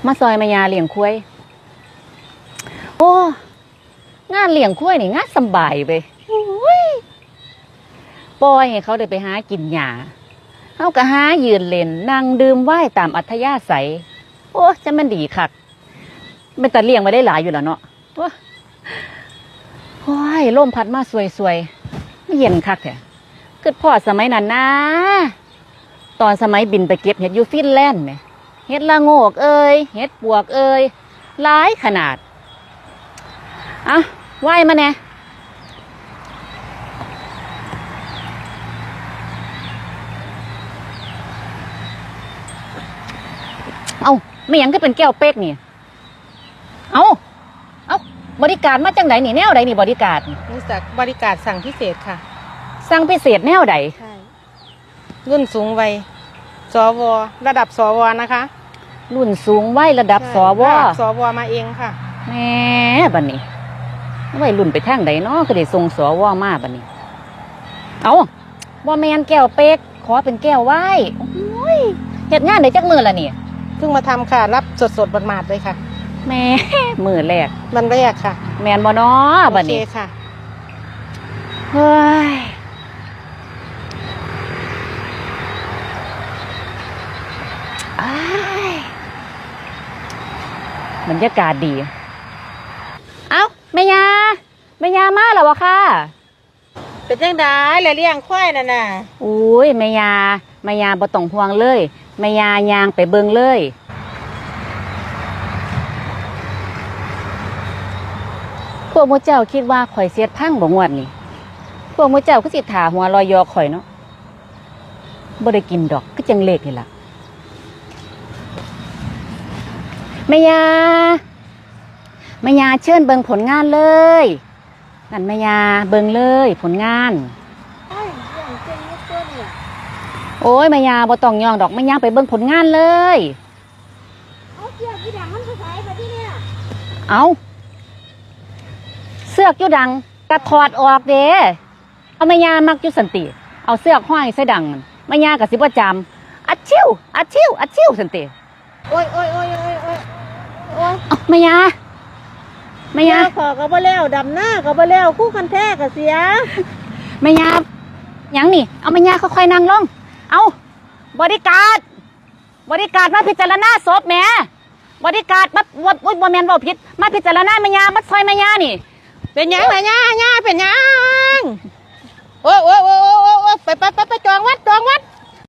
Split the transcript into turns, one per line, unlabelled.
มาซอยแม่ยาเลี้ยงควายโอ้งานเลี้ยงควายนี่งานสบายไปปล่อยให้เขาได้ไปหากินหญ้าเขาก็หายืนเล่นนั่งดื่มไวน์ตามอัธยาศัยโอ้จะมันดีคักเป็นตาเลี้ยงไว้ได้หลายอยู่แล้วเนาะโอ้ยลมพัดมาสวยๆไม่เย็นคักแท้เกิดพ่อสมัยนั้นนะตอนสมัยบินไปเก็บเห็ดอยู่ฟินแลนด์ไหมเห็ดละโงกเอ้ยเห็ดปวกเอ้ยหลายขนาดอ่ะไหวมาแน่เอาไม่ยังก็เป็นแก้วเป๊กนี่เอาบริการมาจังไหนนี่แนวใดนี่บริการ
นี่จากบริการสั่งพิเศษค่ะ
สั่งพิเศษแนวใด
ใช่รุ่นสูงวัยสวระดับสวนะคะ
รุ่นสูงวัยระดับสว
มาเองค่ะ
แม่บัดนี้วัยรุ่นไปทางใดเนาะก็ได้ส่งสวมาบัดนี้เอาบ่แมนแก้วเป๊กขอเป็นแก้วไหว้โอ้ยเฮ็ดงานได้จักมื้อละนี่
เพิ่งมาทำค่ะรับสดหมาดๆเลยค่ะ
แม่มื้อแรก
วันแรกค่ะ
แม่นบ่เนาะบัดนี้
โอเคค่ะ
เฮ้ยบรรยากาศดีเอ้าแม่ยามาแล้ววะค่ะ
เป็นจังได๋แล้วเลี้ยงควายนั่นน่ะ
อุ้ยแม่ยาบ่ต้องห่วงเลยแม่ยาย่างไปเบิ่งเลยพวกมื้อเจ้าคิดว่าข่อยเสียดพังบ่งวดนี่พวกมื้อเจ้าคือสิท่าหัวลอยยอข่อยเนาะบ่ได้กินดอกคือจังเลขนี่ล่ะแม่ยาเชิญเบิ่งผลงานเลยนั่นแม่ยาเบิ่งเลยผลงานโอ้ยแม่ยาบ่ต้องย่องดอกแม่ยาไปเบิ่งผลงานเลยเอาเสื้อกอยู่ดังมันก็ใส่มาที่เนี่ยเอาเสื้อกอยู่ดังกระถอดออกเด้เอาแม่ยามักอยู่สันติเอาเสื้อกห้อยใส่ดังแม่ยาก็สิบ่จำอัดชิวสันติ
โอ้ย
แม่ยา
ขอก็บ่แล้วดำหน้าก็บ่แล้วคู่คันแท้ก็เสีย
แม่ยาหยังนี่เอาแม่ยาค่อยๆนั่งลงเอาบริการมาพิจารณาศพแม่บริการมาบ่แม่นเว้าผิดมาพิจารณาแม่ยามาซอยแม่ยานี่
เป็นหยังแม่ย่าเป็นหยังโอ้ยไปจองวัด